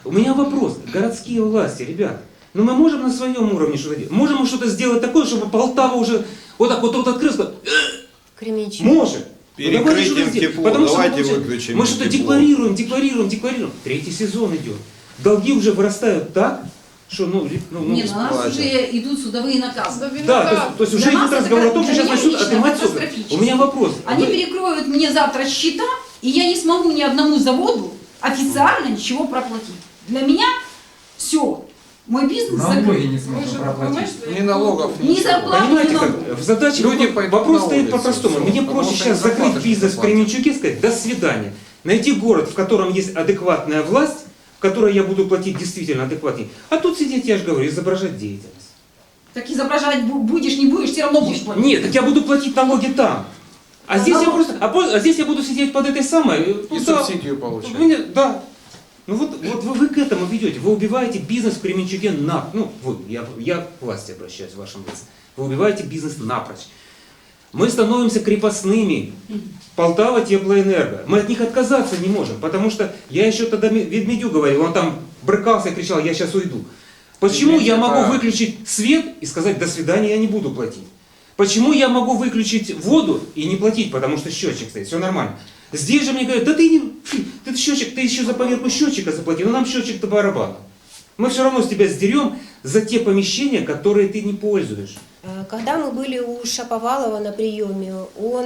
У меня вопрос. Городские власти, ребят, ну мы можем на своем уровне что-то делать? Можем мы что-то сделать такое, чтобы Полтава уже вот так вот открылась? Кременчуг. Можем. Перекрытием тепло, Потому что давайте мы, выключим мы что-то тепло. декларируем. Третий сезон идет. Долги уже вырастают так, что Не, на нас уже идут судовые наказы. да, то есть уже Для идет нас разговор это о том, что сейчас для меня начнут лично отнимать все. катастрофически. У меня вопрос. Они перекроют мне завтра счета, и я не смогу ни одному заводу официально ничего проплатить. Для меня все. Мой бизнес Налоги закрыт. не сможем проплатить. Ни налогов, Ни ничего. зарплаты, Понимаете, ни как налогов. в задаче Люди пойдут вопрос на стоит улицу, по-простому. всё. Мне Потому проще что сейчас им зарплаты закрыть бизнес в платят. Кременчуге и сказать «до свидания». Найти город, в котором есть адекватная власть, в которой я буду платить действительно адекватнее. А тут сидеть, я же говорю, изображать деятельность. Так изображать будешь, не будешь, все равно будешь платить. Нет, так я буду платить налоги там. А здесь я просто, а здесь я буду сидеть под этой самой. И субсидию получать. Да. Ну вот вы к этому ведете. Вы убиваете бизнес в Кременчуге я к власти обращаюсь в вашем лице. Вы убиваете бизнес напрочь. Мы становимся крепостными. Полтава теплоэнерго. Мы от них отказаться не можем. Потому что я еще тогда Ведмедю говорил, он там брыкался и кричал, я сейчас уйду. Почему я могу выключить свет и сказать до свидания, я не буду платить? Почему я могу выключить воду и не платить, потому что счетчик стоит, все нормально. Здесь же мне говорят, да ты счетчик, ты еще за поверку счетчика заплати, но нам счетчик-то барабан. Мы все равно с тебя сдерем за те помещения, которые ты не пользуешь. Когда мы были у Шаповалова на приеме, он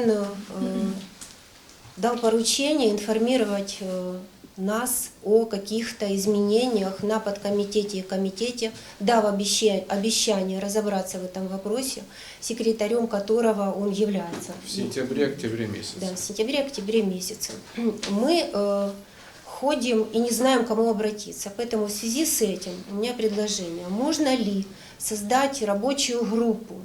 дал поручение информировать нас о каких-то изменениях на подкомитете и комитете, дав обещание разобраться в этом вопросе, секретарем которого он является. В сентябре-октябре месяце. Да, в сентябре-октябре месяце. Мы ходим и не знаем, к кому обратиться. Поэтому в связи с этим у меня предложение. Можно ли создать рабочую группу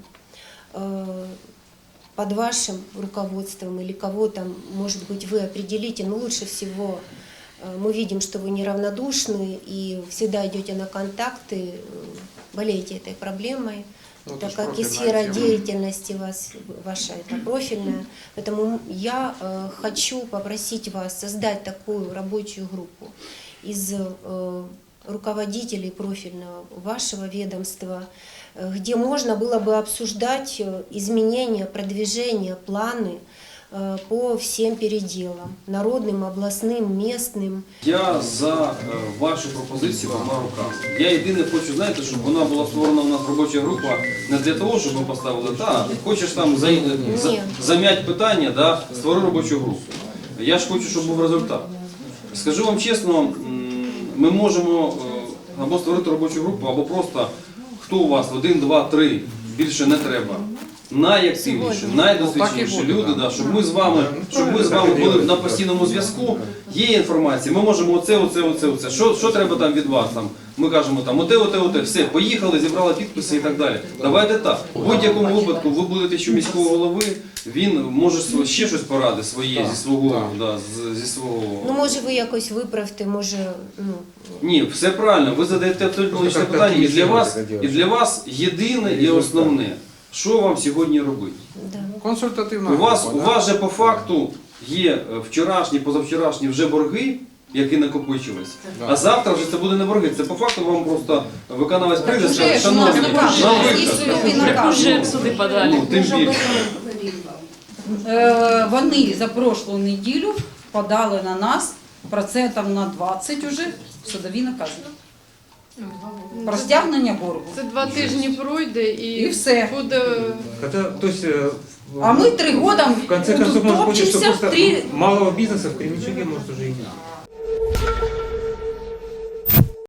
под вашим руководством или кого там, может быть, вы определите, но лучше всего мы видим, что вы неравнодушны и всегда идете на контакты, болеете этой проблемой, так как и сфера деятельности ваша это профильная. Поэтому я хочу попросить вас создать такую рабочую группу из руководителей профильного вашего ведомства, где можно было бы обсуждать изменения, продвижения, планы по всем переделам, народним, обласним, местним. Я за вашу пропозицію двома руками. Я єдине хочу, знаєте, щоб вона була створена у нас робоча група не для того, щоб ми поставили, хочеш там зам'ять питання, створи робочу групу. Я ж хочу, щоб був результат. Скажу вам чесно, ми можемо або створити робочу групу, або просто, хто у вас, 1, 2, 3, більше не треба. Найактивніші, найдосвідченіші люди, щоб ми з вами були на постійному зв'язку. Є інформація, ми можемо оце. Що треба там від вас? Ми кажемо оте, все, поїхали, зібрали підписи і так далі. Давайте так. В будь-якому випадку ви будете ще міського голови, він може ще щось порадити своє зі свого. Ну може ви якось виправте, може... Ні, все правильно, ви задаєте точне питання і для вас єдине і основне. Що вам сьогодні робити? Консультативна У група, вас же по факту є вчорашні, позавчорашні вже борги, які накопичились, а завтра вже це буде не борги. Це по факту вам просто виконавець прийде і скаже, шановні, нам витрат. Уже в суди подали. Тим більше. Вони за прошлу неділю подали на нас процентів на 20 уже судові накази. Про стягнення боргу. Це 2 тижні пройде І все. буде... А ми 3 роки В конце концов, может быть, что топчемося, просто малого бизнеса в Кременчуге может уже и нет.